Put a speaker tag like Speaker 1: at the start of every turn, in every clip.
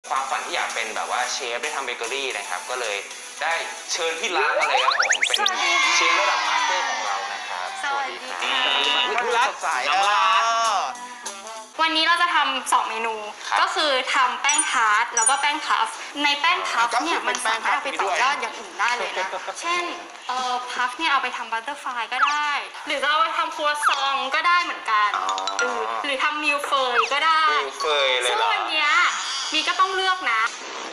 Speaker 1: ความฝันที่อยากเป็นแบบว่าเชฟได้ทำเบเกอรี่นะครับก็เลยได้เชิญพี่รักมาเลยครับผมเป็นเชฟระดับมาสเตอร์ของเรานะครับสวัสดีครับ
Speaker 2: พี่รักสายน้ำรัก
Speaker 3: วันนี้เราจะทำ2 เมนูก็คือทำแป้งทาร์ตแล้วก็แป้งพัฟในแป้งพัฟเนี่ยมันสามารถเอาไปต่อยอดอย่างอื่นได้เลยนะเช่นพัฟเนี่ยเอาไปทำบัตเตอร์ฟลายก็ได้ หรือจะเอาไปทำครัวซองก็ได้เหมือนกันหรือทำมิลเฟยก็ได้
Speaker 1: มิลเฟยเลย
Speaker 3: ซึ่งวันนี้มีก็ต้องเลือกนะ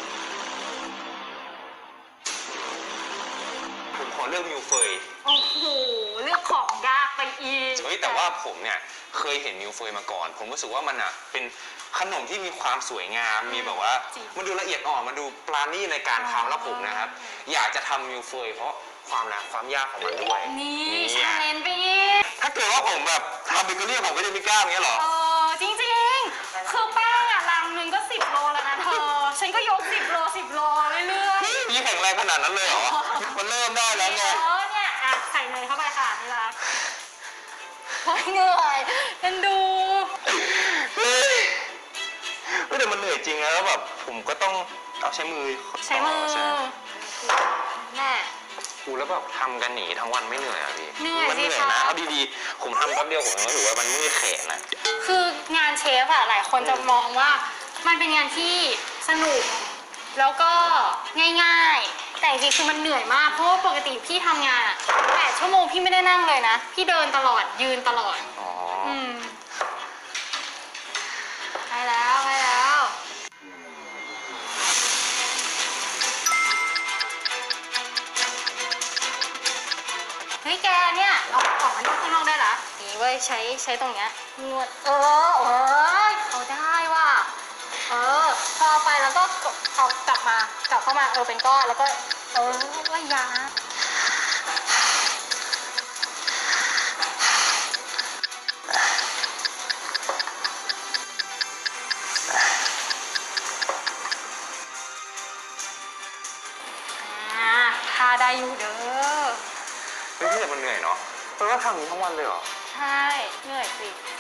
Speaker 1: ผมขอเลือกมิลเฟย
Speaker 3: โอ้โหเลือกของยากไปอีก
Speaker 1: แต่ว่าผมเนี่ยเคยเห็นมิลเฟยมาก่อนผมรู้สึกว่ามันอ่ะเป็นขนมที่มีความสวยงามมีแบบว่ามันดูละเอียดอ่อนมันดูปราณีตในการทำแล้วผมนะครับอยากจะทำมิลเฟยเพราะความยากของมันด้วย
Speaker 3: นี่ชาเลนจ์ไปอีก
Speaker 1: ถ้าเกิดว่าผมแบบทำเบเกอรี่ผมก็จะไม่กล้าอย่างเงี้ยหรอ
Speaker 3: จริงๆคือแป้งอ่ะลังนึงก็10 โลแล้วนะเธอฉันก็ยก10 โลเรื่อย
Speaker 1: ๆนี่แข็งแรงขนาดนั้นเลยเหรอมันเริ่มได้แล้วไง
Speaker 3: เนี่ยใส่เนยเข้าไปค่ะนี่ละเหนื่อยกันดู
Speaker 1: แต่มันเหนื่อยจริงแล้วแบบผมก็ต้องเอาใช้มือ
Speaker 3: แม่
Speaker 1: แล้วแบบทำกันหนีทั้งวันไม่เหนื่อยอ่ะพี่
Speaker 3: เหนื่อย
Speaker 1: มันเหนื่อยนะเอาดีๆผมทำแป๊บเดียวผมรู้สึกว่ามันเมื่อยแขนนะ
Speaker 3: คืองานเชฟอะหลายคนจะมองว่ามันเป็นงานที่สนุกแล้วก็ง่ายๆแต่จริงๆคือมันเหนื่อยมากเพราะว่าปกติพี่ทำงาน8 ชั่วโมงพี่ไม่ได้นั่งเลยนะพี่เดินตลอดยืนตลอดไปแล้วเฮ้ยแกเนี่ยเอาของมันข้างนอกได้เหรอนี่เว้ยใช้ตรงเนี้ยนวดเขาได้ว่ะพอไปแล้วก็เอากลับเข้ามาเป็นก้อนแล้วก็ว่ายาทาได้อยู่เด้อ
Speaker 1: เฮ้ยแต่มันเหนื่อยเนาะเพราะว่าทำนี้ทั้งวันเลยเหรอ
Speaker 3: ใช่เหนื่อยสิ